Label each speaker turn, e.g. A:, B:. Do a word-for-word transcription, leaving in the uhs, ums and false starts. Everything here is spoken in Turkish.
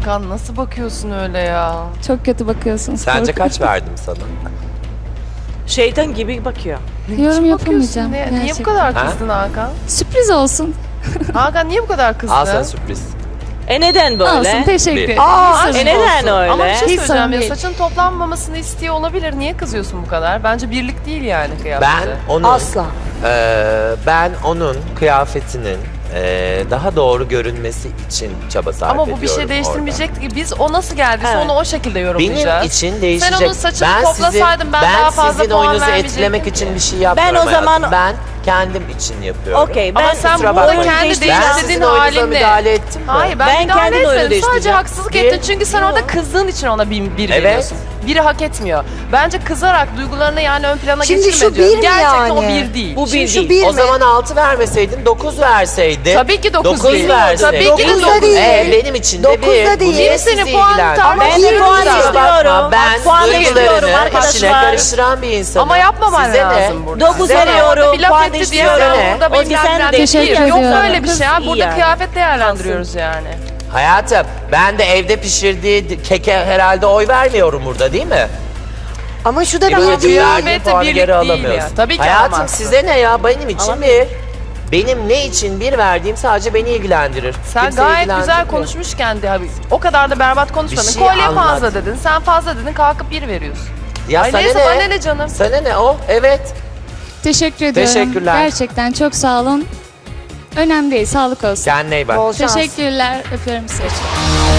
A: Hakan nasıl bakıyorsun öyle ya?
B: Çok kötü bakıyorsunuz.
C: Sence
B: korkuyorum.
C: kaç verdim sana?
D: Şeytan gibi bakıyor.
B: Yorum
A: Hiç
B: yapamayacağım.
A: bakıyorsun. Niye, niye bu
B: gerçekten.
A: kadar
C: Ha?
A: kızdın Hakan?
B: Sürpriz olsun.
A: Hakan niye bu kadar kızdın?
C: Al sana sürpriz.
D: E neden böyle?
B: Olsun teşekkür
C: Bir.
B: ederim.
A: Aa,
B: Hiç
D: e
B: sorun
D: neden
B: olsun.
D: öyle?
A: Ama bir şey
B: Hiç sorun
A: söyleyeceğim ya,
B: değil.
A: saçın toplanmamasını istiyor olabilir. Niye kızıyorsun bu kadar? Bence birlik değil yani kıyafeti.
C: Ben onun
E: Asla.
C: eee, ben onun kıyafetinin eee, daha doğru görünmesi için çaba sarf
A: Ama
C: ediyorum
A: bu bir şey
C: orada.
A: değiştirmeyecekti ki. Biz o nasıl geldiyse
D: Evet.
A: onu o şekilde yorumlayacağız.
C: Benim için değişecek.
A: Sen onun saçını
C: ben
A: toplasaydın ben,
C: ben
A: daha fazla
C: sizin
A: puan
C: oyununuzu
A: vermeyecektim
C: etkilemek
A: ki.
C: için bir şey yapmıyorum
D: Ben o zaman-
C: hayatım. Ben kendim için yapıyorum.
D: Okey,
A: Ama
D: ben
A: sen
C: kusura
A: bu
C: bakmayın.
A: oyunu kendi
D: Ben
C: Ben sizin
A: değiştirdiğin
C: oyununuza
A: halinle.
C: müdahale ettim mi?
A: Hayır ben,
D: Ben
A: müdahale
D: kendi oyunu
A: etmedim. Sadece
D: değiştireceğim.
A: haksızlık
C: Bir-
A: ettin. Çünkü sen orada kızdığın için ona bir, bir
C: Evet.
A: veriyorsun. Biri hak etmiyor. Bence kızarak duygularını yani ön plana
E: Şimdi
A: geçirme
E: şu
A: diyorum.
E: bir mi
A: Gerçekten o
E: yani?
A: bir değil.
D: Bu
E: Şimdi
D: bir
E: şu
D: değil.
E: bir
C: O
E: mi?
C: zaman altı vermeseydin dokuz verseydin.
A: Tabii ki dokuz
C: dokuz
A: değil.
C: verseydin.
A: Tabii ki de
E: Dokuz da
A: dokuz
E: değil.
C: Ee, benim için de
E: Dokuz
C: bir.
E: da değil.
C: Bu niye
A: Kimsenin
C: sizi
A: puanı
C: ilgilendirir?
A: tartışmıyor.
D: Ben de puan
C: Kusura bakma,
D: istiyorum.
C: Ben
D: Bak, puan istiyorum
C: duygularını
D: arkadaşlar.
C: içine karıştıran bir insanım.
A: Ama yapmaman
C: Size
A: lazım
C: ne?
A: burada.
D: Dokuz
C: Size ne?
D: veriyorum.
A: Orada bir laf
D: Puan
A: etti diye
D: istiyorum.
C: sen
A: burada
D: Özge,
A: bilmem
D: sen de
A: ne
B: teşekkür
A: değil. Yok
B: ediyorum.
A: böyle bir şey.
D: Kız
A: Ha,
D: iyi
A: burada
D: yani.
A: kıyafet değerlendiriyoruz yani.
C: Hayatım, ben de evde pişirdiği keke herhalde oy vermiyorum burada değil mi?
E: Ama şu da
C: E,
E: bir
C: böylece
E: değil.
C: verdiğin
A: Kıyafete
C: puanı
A: birlik
C: geri
A: değil
C: alamıyorsun.
A: ya. Tabii ki
C: Hayatım
A: alamazsın.
C: size ne ya? Benim için
D: Alamıyorum.
C: bir. Benim ne için bir verdiğim sadece beni ilgilendirir.
A: Sen
C: Kimseyi
A: gayet güzel
C: ilgilendirmiyor.
A: konuşmuşken de abi, o kadar da berbat konuşmadın.
C: Bir şey
A: Kolye
C: anlat.
A: fazla dedin. Sen fazla dedin kalkıp bir veriyorsun.
C: Ya
A: Ay
C: sana
A: neyse
C: ne?
A: bana ne canım.
C: Sana ne o? Evet.
B: Teşekkür ediyorum.
C: Teşekkürler.
B: Gerçekten çok sağ olun. Önemli değil. Sağlık olsun.
C: Kendine iyi bak.
E: Bol şans.
B: Teşekkürler. Öpüyorum sizi.